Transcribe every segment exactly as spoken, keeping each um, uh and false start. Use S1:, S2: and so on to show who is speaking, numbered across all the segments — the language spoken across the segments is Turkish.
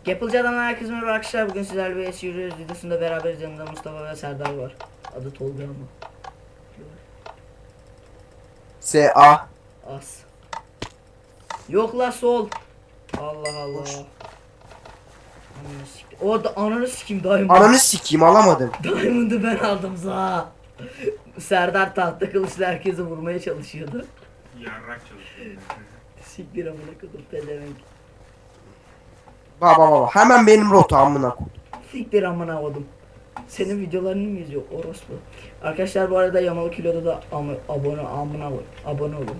S1: Yapılacağından herkese merhaba arkadaşlar. Bugün sizlerle bir es yürüyoruz videosunda beraberiz. Yanımda Mustafa ve Serdar var. Adı Tolga ama.
S2: S A.
S1: As. Yok la sol. Allah Allah.
S2: Boş.
S1: Ananı sikeyim. O da ananı sikeyim Diamond.
S2: Ananı sikeyim alamadım.
S1: Diamond'ı ben aldım za. Serdar tahta kılıçla herkesi vurmaya çalışıyordu.
S3: Yarrak çalışıyor.
S1: Siktir amına kodum pezevenk.
S2: Baba baba hemen benim rota amına koy.
S1: Siktir amına kodum. Senin videolarını mı izliyor orospu? Arkadaşlar bu arada Yamalı Kilo'da da am abone amına koy. Abone olun.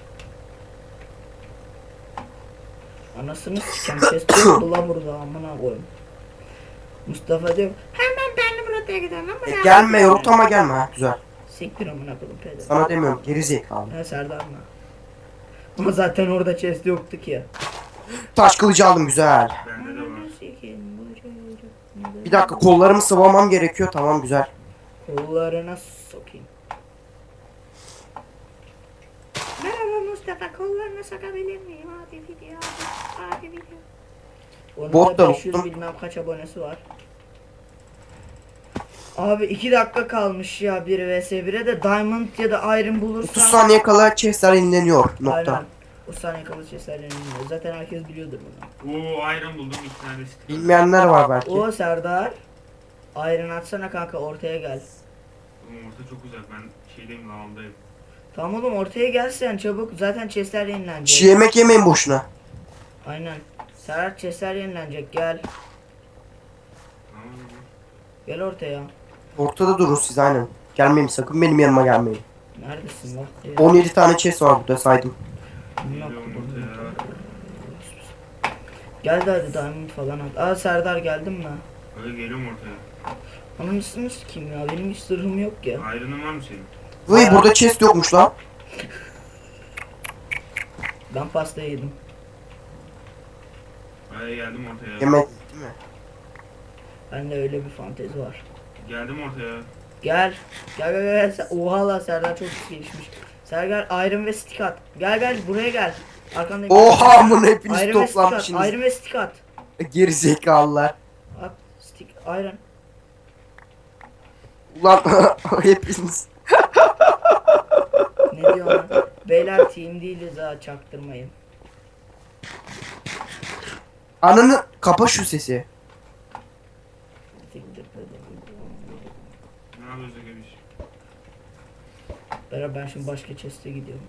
S1: Anasını sikem ses oldu la burada amına koyayım. Mustafa diyor hemen benim rotaya gidelim ama
S2: E, gelme rotama gelme ha güzel.
S1: siktir amına koydum pezevenk.
S2: Sana demiyorum geri zekalı.
S1: Ha Serdar mı? Ama zaten orada chest yoktu ki ya.
S2: Taş kılıcı aldım güzel.
S3: Bende de var.
S2: Bir dakika kollarımı sıvamam gerekiyor tamam güzel.
S1: Kollarına sokayım. Merhaba Mustafa, kollarına sokabilir miyim? Hadi video, hadi, hadi video. Onun
S2: Bot
S1: da
S2: da
S1: beş yüz
S2: buldum.
S1: bilmem kaç abonesi var. Abi iki dakika kalmış ya bir vs bire de Diamond ya da Iron bulursan.
S2: otuz saniye kala chestler yenileniyor nokta.
S1: Aynen. O saniye kalı chestlerden inmiyor. Zaten herkes biliyordur bunu.
S3: Oo iron buldum iki tane.
S2: Bilmeyenler var belki.
S1: O Serdar. Iron atsana kanka ortaya gel.
S3: Oğlum orta çok uzak, ben şeydeyim, lavandayım.
S1: Tamam oğlum ortaya gelsen çabuk. Zaten chestler yenilenecek.
S2: Çiğ yemek yemeyin boşuna.
S1: Aynen. Serhat chestler yenilenecek gel.
S3: Tamam mı?
S1: Gel ortaya.
S2: Ortada durun siz aynen. Gelmeyin sakın benim yanıma gelmeyin.
S1: Neredesin bak?
S2: on yedi tane chest var burada saydım.
S3: Geliyorum ortaya.
S1: Gel de hadi diamond falan at. Aa Serdar geldin mi?
S3: Öyle geliyorum ortaya.
S1: Ananısını sikeyim ya benim hiç sırrım yok ya.
S3: Iron'ın var mı senin?
S2: Vay burada chest yokmuş lan.
S1: Ben pasta yedim.
S3: Hadi geldim ortaya.
S2: Yemek değil mi?
S1: Bende öyle bir fantezi var.
S3: Geldim ortaya.
S1: Gel. Gel gel gel. Sen- Oha la Serdar çok gelişmiş. Serdar iron ve stick at. Gel gel buraya gel. Arkandayım.
S2: Oha bunu hepiniz
S1: Iron ve stick at.
S2: toplanmışsınız.
S1: Iron ve stick at.
S2: Geri zekalılar.
S1: At stick iron.
S2: Ulan hepiniz.
S1: Ne diyor lan? Beyler team değiliz ha çaktırmayın.
S2: Ananı kapa şu sesi.
S1: Siktir pezevenk.
S3: Ne yapıyorsun Gebiş?
S1: Beraber ben şimdi başka chest'e gidiyorum.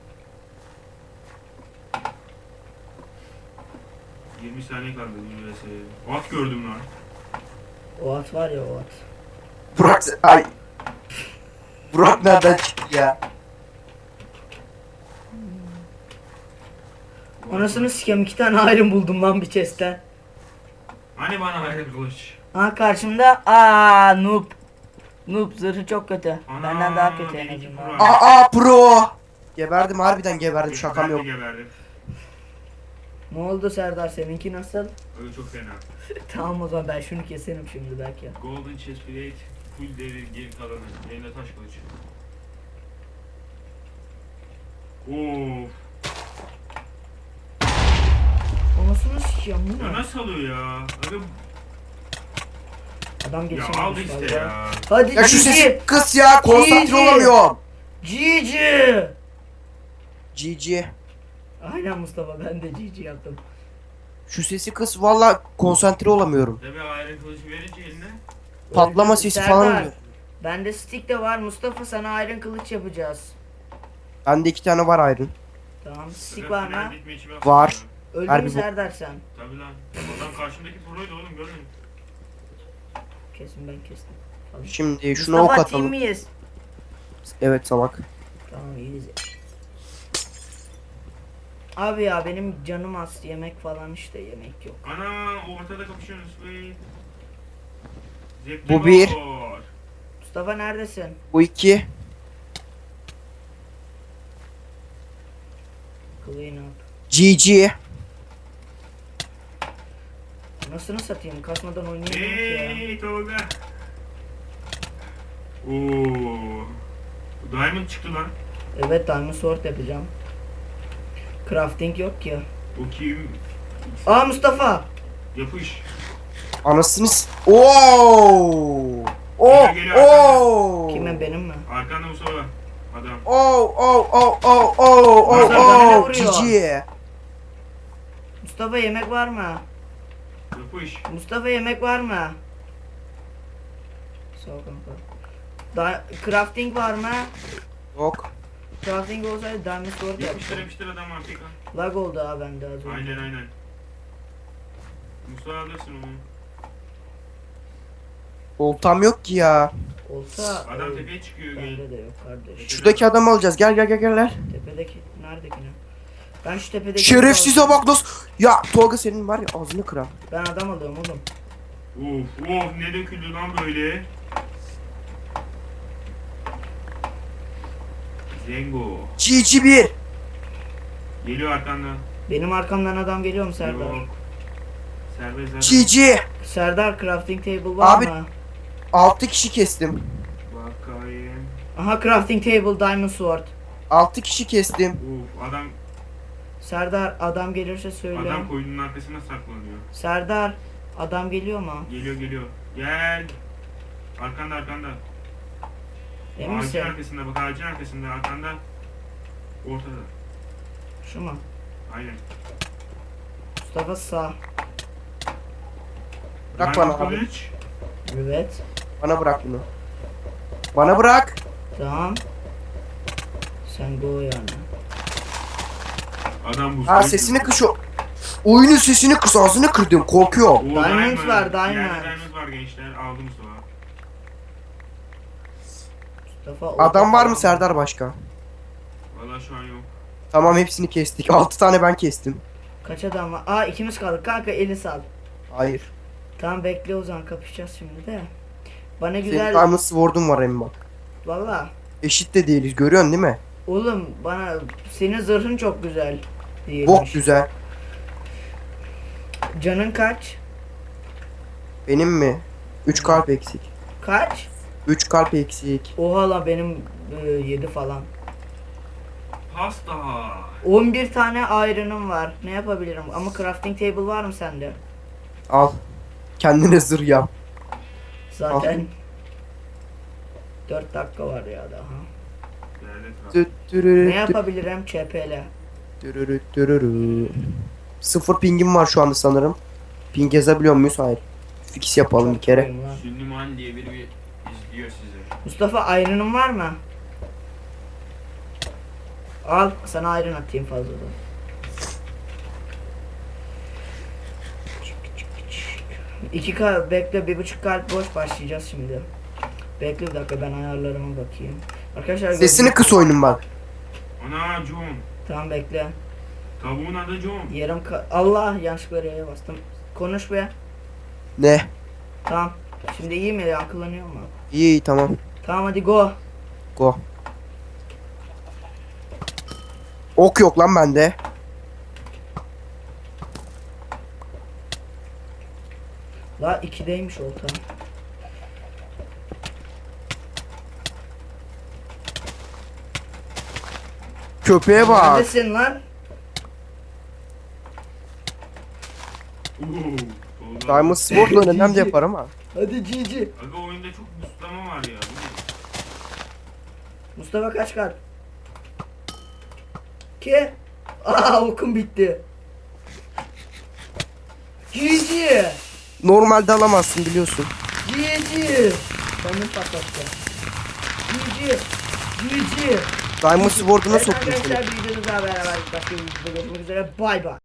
S3: yirmi saniye kaldı bu vs'ye. At gördüm lan.
S1: O at var ya o at.
S2: Burak ay. Burak nereden çıktı ya?
S1: Anasını sikeyim iki tane iron buldum lan bir chest'ten.
S3: Hani bana iron kılıç?
S1: Ha karşımda aa noob. Noob zırhı çok kötü.
S3: Ana,
S1: Benden daha kötü en
S3: benimki
S1: azından.
S3: pro.
S2: Aa pro. Geberdim harbiden geberdim şakam
S3: Ben de
S2: yok.
S3: geberdim.
S1: Ne oldu Serdar seninki nasıl?
S3: Öyle çok fena.
S1: Tamam o zaman ben şunu keserim şimdi belki.
S3: Golden chest plate, full devir geri kalanı. Elinde taş kılıç. Of.
S1: Anasını sikeyim bu
S3: Ya
S1: ne?
S3: nasıl alıyor ya? Abi,
S1: Adam
S3: ya
S1: geçememiş
S3: aldı işte
S1: valla.
S3: ya.
S1: Hadi
S2: Ya şu
S1: G G.
S2: sesi kıs ya konsantre
S1: G G.
S2: olamıyorum.
S1: G G.
S2: G G.
S1: Aynen Mustafa ben de G G yaptım.
S2: Şu sesi kıs valla konsantre olamıyorum.
S3: Tabii iron kılıcı verince eline.
S2: Patlama
S1: Öldü.
S2: sesi
S1: Serdar,
S2: falan oluyor.
S1: bende stick de var Mustafa sana iron kılıç yapacağız.
S2: Bende iki tane var ayrın.
S1: Tamam stick
S3: Sakın
S1: var
S3: final
S1: mı?
S3: bitme içime
S2: Var.
S3: atma ya.
S1: Öldü
S2: Harbi
S1: mü
S2: bu-
S1: Serdar sen?
S3: Tabii lan. Adam karşımdaki proydu oğlum, görmüyor musun?
S1: Kesin ben kestim. Falan.
S2: Şimdi şuna ok
S1: Mustafa team
S2: atalım.
S1: miyiz?
S2: Evet salak.
S1: Tamam iyiyiz. Abi ya benim canım az yemek falan işte yemek yok.
S3: Ana ortada kapışıyorsunuz. Wait. Zevkli
S2: Bu bir.
S3: gol.
S1: Mustafa neredesin?
S2: Bu iki.
S1: Clean up.
S2: G G.
S1: Nasıl satayım? Kasmadan oynayamıyorum ki ya.
S3: Hey Tolga. Oo. Diamond çıktı lan.
S1: Evet diamond sword yapacağım. Crafting yok ki.
S3: O kim?
S1: Aa Mustafa.
S3: Yapış.
S2: Anasını s- Oo! Oh!
S3: Geliyor, geliyor,
S2: Oh!
S1: Kimin, benim mi?
S3: Arkanda Mustafa. Adam.
S2: Oh! Oh! Oh! Oh! Oh! Oh!
S1: Mustafa bana ne
S2: Oh!
S1: vuruyor?
S2: Cici.
S1: Mustafa yemek var mı?
S3: Yapış.
S1: Mustafa yemek var mı? Sağ ol kanka. Da crafting var mı?
S2: Yok.
S1: Crafting olsaydı diamond sword
S3: Yapıştır
S1: yapacağım.
S3: yapıştır adam artık.
S1: Lag oldu ha bende az önce.
S3: Aynen aynen. Mustafa alırsın onu.
S2: Oltam yok ki ya.
S1: Olsa
S3: Adam
S1: e,
S3: tepeye çıkıyor. Gel.
S1: bende de yok kardeş.
S2: Şuradaki adamı alacağız. Gel gel gel gel.
S1: Tepedeki neredeki ne? Ben şu tepedeki
S2: Şerefsize bak nasıl. Ya Tolga senin var ya ağzını kırar.
S1: Ben adam alıyorum oğlum.
S3: Of of ne döküldü lan böyle. Zengo.
S2: Cici bir.
S3: Geliyor arkanda.
S1: Benim arkamdan adam geliyor mu Serdar?
S3: Yok. Serbest zaten.
S2: Cici.
S1: Serdar crafting table var
S2: Abi-
S1: mı?
S2: altı kişi kestim.
S3: Bakayım.
S1: Aha crafting table diamond sword.
S2: altı kişi kestim.
S3: Of adam
S1: Serdar adam gelirse söyle.
S3: adam koyunun arkasına saklanıyor.
S1: Serdar adam geliyor mu?
S3: Geliyor geliyor. Gel. Arkanda arkanda.
S1: Emin
S3: Ağacın
S1: misin?
S3: arkasında bak ağacın arkasında arkanda. Ortada.
S1: Şu mu?
S3: Aynen.
S1: Mustafa sağ.
S2: Bırak
S3: Diamond
S2: bana abi.
S3: kılıç.
S1: Evet.
S2: Bana bırak bunu. Bana bırak.
S1: Tamam. Sen go yani.
S3: Adam bu.
S2: Ha sesini kış o. Oyunun sesini kıs ağzını kırdım korkuyor.
S3: Oo,
S1: Diamond var, diamond.
S3: Yerde diamond var gençler. Aldım Mustafa.
S1: Mustafa orada
S2: Adam var mı
S1: falan.
S2: Serdar başka?
S3: Valla şu an yok.
S2: Tamam hepsini kestik. altı tane ben kestim.
S1: Kaç adam var? Aa ikimiz kaldık kanka, eli sal.
S2: Hayır.
S1: Tamam bekle o zaman, kapışacağız şimdi de. Bana
S2: Senin
S1: güzel
S2: Diamond Sword'un var emin bak.
S1: valla.
S2: Eşit de değiliz görüyorsun değil mi?
S1: Oğlum bana senin zırhın çok güzel.
S2: Bok
S1: Değilmiş.
S2: güzel.
S1: Canın kaç?
S2: Benim mi? üç kalp eksik.
S1: Kaç?
S2: üç kalp eksik.
S1: Oha la benim yedi falan.
S3: Pasta.
S1: on bir tane iron'ım var. Ne yapabilirim? Ama crafting table var mı sende?
S2: Al. Kendine zırh yap.
S1: Zaten dört dakika var ya daha.
S3: Değerli kral.
S2: Tü- türürü,
S1: Ne
S2: tü-
S1: yapabilirim? Ç P L.
S2: türürü, türürü. Sıfır pingim var şu anda sanırım. Ping yazabiliyor muyuz? Hayır. Fix yapalım bir kere.
S3: Süleyman diye biri bir izliyor sizi.
S1: Mustafa iron'un var mı? Al sana iron atayım fazladan. İki kalp bekle, bir buçuk kalp boş, başlayacağız şimdi. Bekle bir dakika, ben ayarlarıma bakayım. Arkadaşlar
S2: Sesini
S1: gördüğünüz-
S2: kıs oyunun bak.
S3: Ana John.
S1: Tamam bekle.
S3: Tavuğun adı John.
S1: Yarım ka- Allah yanlışlıkla R'ye bastım. Konuş be.
S2: Ne?
S1: Tamam. Şimdi iyi mi? Yankılanıyor mu?
S2: İyi iyi tamam.
S1: Tamam hadi go.
S2: Go. Ok yok lan bende.
S1: La ikideymiş olta.
S2: Köpeğe bak.
S1: Neredesin lan?
S3: Oo, Tolga.
S2: Diamond Sword'la önemli de yapar ama.
S1: Hadi Cici.
S3: Aga oyunda çok buslama var ya. Bu ne?
S1: Mustafa kaç kalp? Ki? Aa okum bitti. Cici.
S2: Normalde alamazsın biliyorsun.
S1: Cici. Kendini patlattı. Cici. Cici.
S2: Diamond Sword'una
S1: Evet
S2: soktum seni.
S1: arkadaşlar, videomuzla beraber başka bir videoda görüşmek üzere. Bay bay.